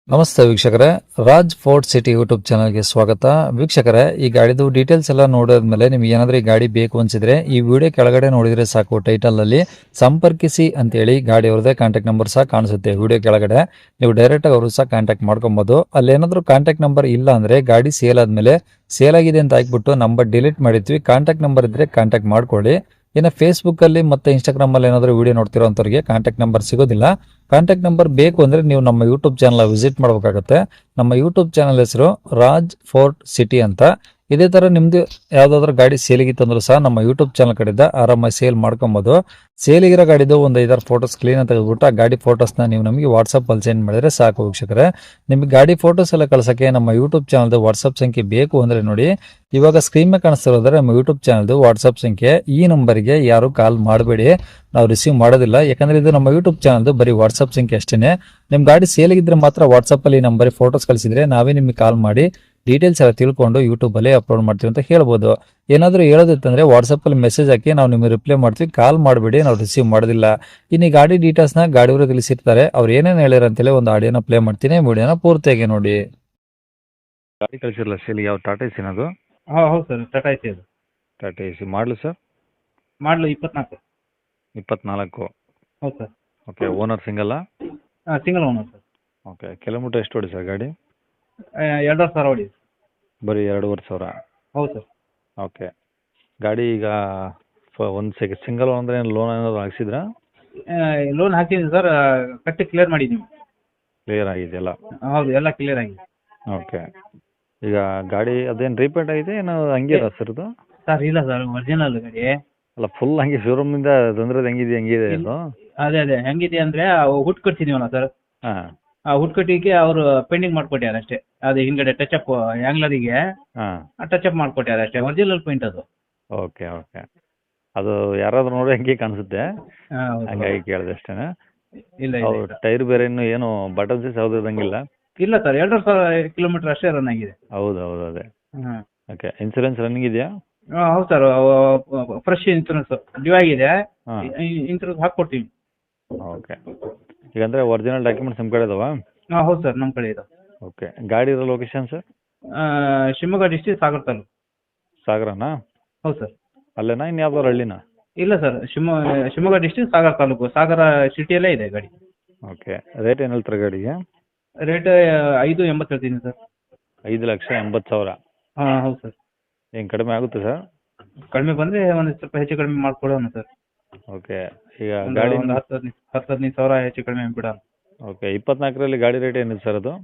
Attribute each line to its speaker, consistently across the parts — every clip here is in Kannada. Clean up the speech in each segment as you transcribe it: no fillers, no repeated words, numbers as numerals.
Speaker 1: ನಮಸ್ತೆ ವೀಕ್ಷಕರೇ, ರಾಜ್ ಫೋರ್ಟ್ ಸಿಟಿ ಯೂಟ್ಯೂಬ್ ಚಾನಲ್ಗೆ ಸ್ವಾಗತ. ವೀಕ್ಷಕರೇ, ಈ ಗಾಡಿದು ಡೀಟೇಲ್ಸ್ ಎಲ್ಲ ನೋಡಿದ್ಮೇಲೆ ನಿಮ್ಗೆ ಏನಾದರೂ ಈ ಗಾಡಿ ಬೇಕು ಅನ್ಸಿದ್ರೆ ಈ ವಿಡಿಯೋ ಕೆಳಗಡೆ ನೋಡಿದ್ರೆ ಸಾಕು, ಟೈಟಲ್ ಅಲ್ಲಿ ಸಂಪರ್ಕಿಸಿ ಅಂತೇಳಿ ಗಾಡಿ ಅವ್ರದೇ ಕಾಂಟ್ಯಾಕ್ಟ್ ನಂಬರ್ ಸಹ ಕಾಣಿಸುತ್ತೆ. ವಿಡಿಯೋ ಕೆಳಗಡೆ ನೀವು ಡೈರೆಕ್ಟ್ ಆಗಿ ಅವರು ಸಹ ಕಾಂಟ್ಯಾಕ್ಟ್ ಮಾಡ್ಕೊಬಹುದು. ಅಲ್ಲಿ ಏನಾದರೂ ಕಾಂಟ್ಯಾಕ್ಟ್ ನಂಬರ್ ಇಲ್ಲ ಅಂದ್ರೆ ಗಾಡಿ ಸೇಲ್ ಆದ್ಮೇಲೆ ಸೇಲ್ ಆಗಿದೆ ಅಂತ ಹಾಕ್ಬಿಟ್ಟು ನಂಬರ್ ಡಿಲೀಟ್ ಮಾಡಿದ್ವಿ. ಕಾಂಟ್ಯಾಕ್ಟ್ ನಂಬರ್ ಇದ್ರೆ ಕಾಂಟ್ಯಾಕ್ಟ್ ಮಾಡ್ಕೊಳ್ಳಿ. ಇನ್ನು ಫೇಸ್ಬುಕ್ ಅಲ್ಲಿ ಮತ್ತೆ ಇನ್ಸ್ಟಾಗ್ರಾಮ್ ಅಲ್ಲಿ ಏನಾದರೂ ವಿಡಿಯೋ ನೋಡ್ತಿರೋಂಥವ್ರಿಗೆ ಕಾಂಟ್ಯಾಕ್ಟ್ ನಂಬರ್ ಸಿಗೋದಿಲ್ಲ. ಕಾಂಟ್ಯಾಕ್ಟ್ ನಂಬರ್ ಬೇಕು ಅಂದ್ರೆ ನೀವು ನಮ್ಮ ಯೂಟ್ಯೂಬ್ ಚಾನಲ್ ವಿಸಿಟ್ ಮಾಡಬೇಕಾಗುತ್ತೆ. ನಮ್ಮ ಯೂಟ್ಯೂಬ್ ಚಾನಲ್ ಹೆಸರು ರಾಜ್ ಫೋರ್ಟ್ ಸಿಟಿ ಅಂತ. ಇದೇ ತರ ನಿಮ್ದು ಯಾವ್ದಾದ್ರು ಗಾಡಿ ಸೇಲಿಗಿತ್ತಂದ್ರೂ ಸಹ ನಮ್ಮ ಯೂಟ್ಯೂಬ್ ಚಾನಲ್ ಕಡೆಯಿಂದ ಆರಾಮಾಗಿ ಸೇಲ್ ಮಾಡ್ಕೊಬಹುದು. ಸೇಲಿಗಿರೋ ಗಾಡಿದು ಒಂದು 5-6 ಫೋಟೋಸ್ ಕ್ಲೀನ್ ಅಂತ ತೆಗೆದುಬಿಟ್ಟು ಆ ಗಾಡಿ ಫೋಟೋಸ್ನ ನೀವು ನಮಗೆ ವಾಟ್ಸಪ್ ಅಲ್ಲಿ ಸೆಂಡ್ ಮಾಡಿದ್ರೆ ಸಾಕು ವೀಕ್ಷಕರೇ. ನಿಮಗೆ ಗಾಡಿ ಫೋಟೋಸ್ ಎಲ್ಲ ಕಳ್ಸಕ್ಕೆ ನಮ್ಮ ಯೂಟ್ಯೂಬ್ ಚಾನಲ್ದು ವಾಟ್ಸಪ್ ಸಂಖ್ಯೆ ಬೇಕು ಅಂದ್ರೆ ನೋಡಿ, ಇವಾಗ ಸ್ಕ್ರೀನ್ ಮೇಲೆ ಕಾಣಿಸ್ತಿರೋದ್ರೆ ನಮ್ಮ ಯೂಟ್ಯೂಬ್ ಚಾನಲ್ದು ವಾಟ್ಸಪ್ ಸಂಖ್ಯೆ. ಈ ನಂಬರ್ಗೆ ಯಾರು ಕಾಲ್ ಮಾಡಬೇಡಿ, ನಾವು ರಿಸೀವ್ ಮಾಡೋದಿಲ್ಲ. ಯಾಕಂದ್ರೆ ಇದು ನಮ್ಮ ಯೂಟ್ಯೂಬ್ ಚಾನಲ್ದು ಬರೀ ವಾಟ್ಸಪ್ ಸಂಖ್ಯೆ ಅಷ್ಟೇನೆ. ನಿಮ್ ಗಾಡಿ ಸೇಲಿಗಿದ್ರೆ ಮಾತ್ರ ವಾಟ್ಸಪ್ ಅಲ್ಲಿ ನಂಬರ್ ಫೋಟೋಸ್ ಕಳಿಸಿದ್ರೆ ನಾವೇ ನಿಮಗೆ ಕಾಲ್ ಮಾಡಿ ಡೀಟೇಲ್ಸ್ ಎಲ್ಲ ತಿಳ್ಕೊಂಡು ಯೂಟ್ಯೂಬ್ ಅಲ್ಲಿ ಅಪ್ಲೋಡ್ ಮಾಡ್ತೀವಿ ಅಂತ ಹೇಳ್ಬೋದು. ಏನಾದರೂ ಹೇಳೋದಿತ್ತಂದ್ರೆ ವಾಟ್ಸಪ್ ಅಲ್ಲಿ ಮೆಸೇಜ್ ಹಾಕಿ ನಾವು ನಿಮಗೆ ರಿಪ್ಲೈ ಮಾಡ್ತೀವಿ. ಕಾಲ್ ಮಾಡಬೇಡಿ, ನಾವು ರಿಸೀವ್ ಮಾಡೋದಿಲ್ಲ. ಇನ್ನು ಈ ಗಾಡಿ ಡೀಟೇಲ್ಸ್ ನ ಗಾಡಿಯವರು ತಿಳಿಸಿರ್ತಾರೆ, ಅವ್ರು ಏನೇನು ಹೇಳಿರ ಅಂತೇಳಿ ಒಂದು ಆಡಿಯೋನ ಪ್ಲೇ ಮಾಡ್ತೀನಿ, ವಿಡಿಯೋನ ಪೂರ್ತಿಯಾಗಿ ನೋಡಿ. ಗಾಡಿ ಕಳಿಸಿರಲ್ಲ ಸೇಲಿ, ಯಾವ ಟಾಟಾ ಎಸಿನ ಅದು?
Speaker 2: ಹೌದು ಸರ್, ಟಾಟಾ ಐತಿ ಅದು.
Speaker 1: Tata Ace model sir?
Speaker 2: Model 24.
Speaker 1: 24.
Speaker 2: ಹೌದು ಸರ್.
Speaker 1: ಓಕೆ, ಓನರ್ ಸಿಂಗಲ್ಲ?
Speaker 2: Single owner sir.
Speaker 1: Okay, kilometre ಎಷ್ಟು ಹೊಡಿ ಸರ್ ಗಾಡಿ?
Speaker 2: 2,500 ಹೊಡಿ.
Speaker 1: ಬರೀ 2,500.
Speaker 2: ಹೌದು ಸರ್.
Speaker 1: ಓಕೆ, ಗಾಡಿ ಈಗ ಒಂದು ಸಿಂಗಲ್ ಅಂದರೆ ಲೋನ್ ಏನಾದ್ರು ಹಾಕ್ಸಿದ್ರಾ?
Speaker 2: ಲೋನ್ ಹಾಕಿದ್ದೀನಿ ಸರ್, ಕಟ್ಟಿ ಕ್ಲಿಯರ್ ಮಾಡಿದ್ದೀವಿ.
Speaker 1: ಕ್ಲಿಯರ್ ಆಗಿದೆಯಲ್ಲ?
Speaker 2: ಹೌದು, ಎಲ್ಲ ಕ್ಲಿಯರ್ ಆಗಿದೆ.
Speaker 1: ಓಕೆ, ಈಗ ಗಾಡಿ ಅದೇನು ರೀಪೇಂಟ್ ಆಗಿದೆ ಏನು ಹಂಗೆ ಇರ ಸರ್ ಇದು?
Speaker 2: ಸರ್ ಇಲ್ಲ ಸರ್, ಒರಿಜಿನಲ್ ಗಾಡಿ.
Speaker 1: ಅಲ್ಲ, ಫುಲ್ ಹಂಗೆ ಶೋರೂಮಿಂದ ತಂದ್ರೆ ಹೆಂಗಿದೆ ಅದು?
Speaker 2: ಅದೇ ಹೆಂಗಿದೆ ಅಂದರೆ ಹುಟ್ಟು ಕಟ್ಸಿದೀವಲ್ಲ ಸರ್,
Speaker 1: ಹಾಂ.
Speaker 2: ಆ ಹುಟ್ಟು ಕಟ್ಟಿಗೆ ಅವರು ಪೇಂಟಿಂಗ್ ಮಾಡ್ಕೊಟ್ಟಾರೆ ಅಷ್ಟೇ. ಅದು ಹಿಂದ್ಗಡೆ ಟಚಪ್ ಆ್ಯಂಗ್ಲರಿಗೆ
Speaker 1: ಹಾಂ.
Speaker 2: ಟಚಪ್ ಮಾಡ್ಕೊಟ್ಟಾರೆ ಅಷ್ಟೇ, ಒರಿಜಿನಲ್ ಪೇಂಟ್ ಅದು.
Speaker 1: ಓಕೆ ಓಕೆ, ಅದು ಯಾರಾದ್ರೂ ನೋಡಿ ಹಂಗೆ ಕಾಣಿಸುತ್ತೆ,
Speaker 2: ಹೌದು.
Speaker 1: ಹಂಗಾಗಿ ಕೇಳಿದೆ ಅಷ್ಟೇ.
Speaker 2: ಇಲ್ಲ
Speaker 1: ಹೌದು,
Speaker 2: ಇಲ್ಲ
Speaker 1: ಟೈರ್ ಬೇರೆ ಇನ್ನು ಏನು ಬಟನ್ಸ್ ಯಾವ್ದು ಇದಂಗಿಲ್ಲ?
Speaker 2: ಇಲ್ಲ ಸರ್, 2,500 ಕಿಲೋಮೀಟರ್ ಅಷ್ಟೇ ರನ್ ಆಗಿದೆ.
Speaker 1: ಹೌದು ಹೌದು, ಅದೇ.
Speaker 2: ಹಾಂ.
Speaker 1: ಓಕೆ, ಇನ್ಸೂರೆನ್ಸ್ ರನ್ನಿಂಗ್ ಇದೆಯಾ?
Speaker 2: ಹೌದು ಸರ್, ಫ್ರೆಶ್ ಇನ್ಸೂರೆನ್ಸ್ ಡ್ಯೂ ಆಗಿದೆ.
Speaker 1: ಹಾಂ.
Speaker 2: ಇನ್ಸೂರೆನ್ಸ್ ಹಾಕ್ಕೊಡ್ತೀವಿ.
Speaker 1: ಓಕೆ, ಈಗಂದರೆ ಒರಿಜಿನಲ್ ಡಾಕ್ಯುಮೆಂಟ್ಸ್ ನಿಮ್ಮ ಕಡೆ ಇದಾವಾ?
Speaker 2: ಹೌದು ಸರ್, ನಮ್ಮ ಕಡೆ ಇದೆ.
Speaker 1: ಓಕೆ, ಗಾಡಿ ಇರೋ location sir?
Speaker 2: Shivamogga district Sagar taluk.
Speaker 1: ಸಾಗರನಾ?
Speaker 2: ಹೌದು ಸರ್.
Speaker 1: ಅಲ್ಲೇನಾ ಇನ್ನು ಯಾವ್ದಾದ್ರು ಹಳ್ಳಿನಾ?
Speaker 2: ಇಲ್ಲ ಸರ್, ಶಿವಮೊಗ್ಗ ಡಿಸ್ಟ್ರಿಕ್ಟ್ ಸಾಗರ ತಾಲೂಕು, ಸಾಗರ ಸಿಟಿಯಲ್ಲೇ ಇದೆ ಗಾಡಿ.
Speaker 1: ಓಕೆ, ರೇಟ್ ಏನು ಹೇಳ್ತಾರೆ ಗಾಡಿಗೆ?
Speaker 2: ರೇಟ್ 5,80 ಹೇಳ್ತೀನಿ ಸರ್.
Speaker 1: 5,80,000?
Speaker 2: ಹಾಂ ಹೌದು ಸರ್.
Speaker 1: ಏನು ಕಡಿಮೆ ಆಗುತ್ತೆ ಸರ್?
Speaker 2: ಕಡಿಮೆ ಬಂದರೆ ಒಂದು ಸ್ವಲ್ಪ ಹೆಚ್ಚು ಕಡಿಮೆ ಮಾಡ್ಕೊಡೋಣ ಸರ್.
Speaker 1: ಓಕೆ, ಈಗ ಗಾಡಿ
Speaker 2: ಒಂದು 10-15 ಸಾವಿರ ಹೆಚ್ಚು ಕಡಿಮೆ ಬಿಡೋಣ.
Speaker 1: ಓಕೆ, 24ರಲ್ಲಿ ಗಾಡಿ ರೇಟ್ ಏನಿದೆ ಸರ್ ಅದು?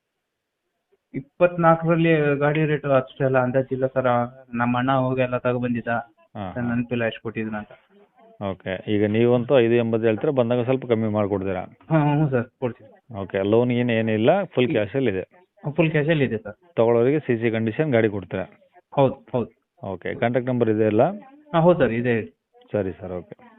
Speaker 2: 24ರಲ್ಲಿ ಗಾಡಿ ರೇಟ್ ಅಷ್ಟೆಲ್ಲ ಅಂದಾಜಿಲ್ಲ ಸರ್. ನಮ್ಮ ಅಣ್ಣ ಹೋಗಿ ಎಲ್ಲ ತಗೊಬಂದಿದ್ದ,
Speaker 1: ಹಾಂ.
Speaker 2: ನೆನಪಿಲ್ಲ ಎಷ್ಟು ಕೊಟ್ಟಿದ್ದೀನಿ ಅಂತ.
Speaker 1: ಓಕೆ, ಈಗ ನೀವಂತೂ 5,80 ಹೇಳ್ತೀರಾ, ಬಂದಾಗ ಸ್ವಲ್ಪ ಕಮ್ಮಿ ಮಾಡಿಕೊಡ್ತೀರಾ?
Speaker 2: ಹಾಂ ಹ್ಞೂ ಸರ್, ಕೊಡ್ತೀವಿ.
Speaker 1: ಓಕೆ, ಲೋನ್ ಏನಿಲ್ಲ, ಫುಲ್ ಕ್ಯಾಶಲ್ಲಿದೆ?
Speaker 2: ಫುಲ್ ಕ್ಯಾಶಲ್ಲಿ ಇದೆ ಸರ್.
Speaker 1: ತೊಗೊಳೋರಿಗೆ ಸಿ ಸಿ ಕಂಡೀಷನ್ ಗಾಡಿ ಕೊಡ್ತೀರಾ?
Speaker 2: ಹೌದು ಹೌದು.
Speaker 1: ಓಕೆ, ಕಾಂಟ್ಯಾಕ್ಟ್ ನಂಬರ್ ಇದೆ ಅಲ್ಲ?
Speaker 2: ಹಾಂ ಹೌದು ಸರ್, ಇದೆ.
Speaker 1: ಸರಿ ಸರ್, ಓಕೆ.